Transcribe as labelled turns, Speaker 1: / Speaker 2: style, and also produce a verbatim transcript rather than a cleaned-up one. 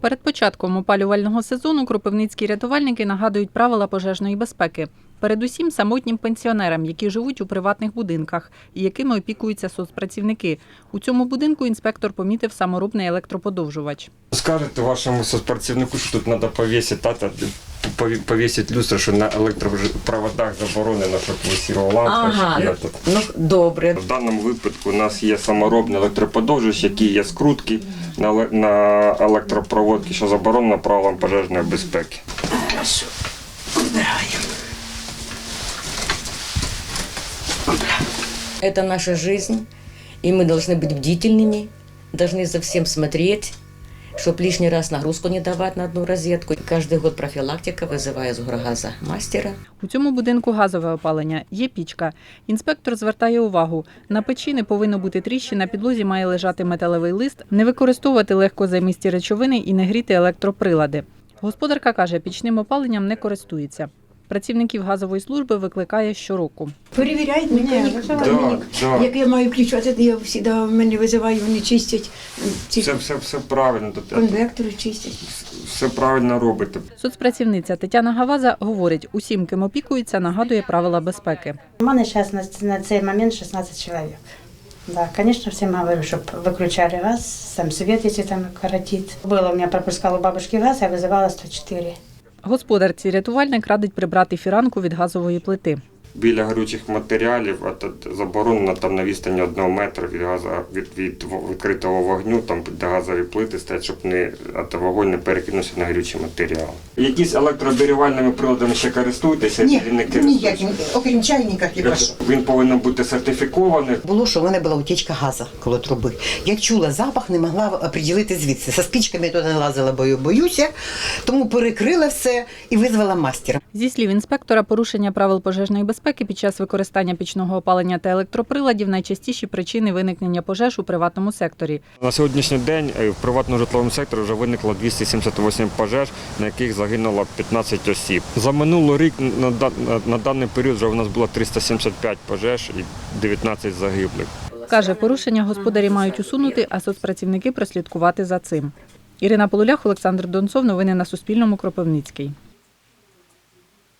Speaker 1: Перед початком опалювального сезону кропивницькі рятувальники нагадують правила пожежної безпеки. Передусім самотнім пенсіонерам, які живуть у приватних будинках і якими опікуються соцпрацівники. У цьому будинку інспектор помітив саморобний електроподовжувач.
Speaker 2: Скажете вашому соцпрацівнику, що тут треба повісити, тата, повісити люстру, що на електропроводах заборонено, щоб висіла лампа.
Speaker 3: Ага, ну добре.
Speaker 2: В даному випадку у нас є саморобний електроподовжувач, який є скрутки на електропроводки, що заборонено правилам пожежної безпеки.
Speaker 3: Хорошо. Убираем. Это наша жизнь, и мы должны быть бдительными, должны за всем смотреть, чтобы лишний раз нагрузку не давать на одну розетку. Каждый год профилактика вызывая с горгаза мастера.
Speaker 1: У цьому будинку газове опалення, є пічка. Інспектор звертає увагу, на печі не повинно бути тріщин, на підлозі має лежати металевий лист, не використовувати легкозаймисті речовини і не гріти електроприлади. Господарка каже, пічним опаленням не користується. Працівників газової служби викликає щороку.
Speaker 4: Перевіряють механік,
Speaker 2: Да, да.
Speaker 4: як я маю включати, я завжди мене визиваю, вони чистять, ці
Speaker 2: Все, все, все правильно.
Speaker 4: конвектори чистять.
Speaker 2: Все правильно робите.
Speaker 1: Соцпрацівниця Тетяна Гаваза говорить, усім, ким опікується, нагадує правила безпеки.
Speaker 5: У мене зараз на, на цей момент шістнадцять чоловік. Да, конечно, всем говорю, чтобы выключали газ, сам свет, если там коротит. Было у меня, пропускал у бабушки газ, я вызывала сто чотири.
Speaker 1: Господарці рятувальник радить прибрати фіранку від газової плити.
Speaker 2: Біля горючих матеріалів а тут заборонено там на відстані одного метра від газу, від, від відкритого вогню, там де газові плити стоять, щоб не, а вогонь не перекинувся на горючі матеріали. Якісь електрообігрівальними приладами ще користуєтеся?
Speaker 6: Ні,
Speaker 2: не
Speaker 6: ніяким, окрім чайника хіба що.
Speaker 2: Він повинен бути сертифікований.
Speaker 6: Було, що в мене була утічка газу коло труби. Як чула запах, не могла оприділити звідси. Со спічками я туди не лазила, бо боюся, тому перекрила все і визвала мастера.
Speaker 1: Зі слів інспектора, порушення правил пожежної безпеки під час використання пічного опалення та електроприладів – найчастіші причини виникнення пожеж у приватному секторі.
Speaker 2: На сьогоднішній день в приватному житловому секторі вже виникло двісті сімдесят вісім пожеж, на яких загинуло п'ятнадцять осіб. За минулий рік на, на даний період вже у нас було триста сімдесят п'ять пожеж і дев'ятнадцять загиблих.
Speaker 1: Каже, порушення господарі мають усунути, а соцпрацівники прослідкувати за цим. Ірина Полулях, Олександр Донцов. Новини на Суспільному. Кропивницький.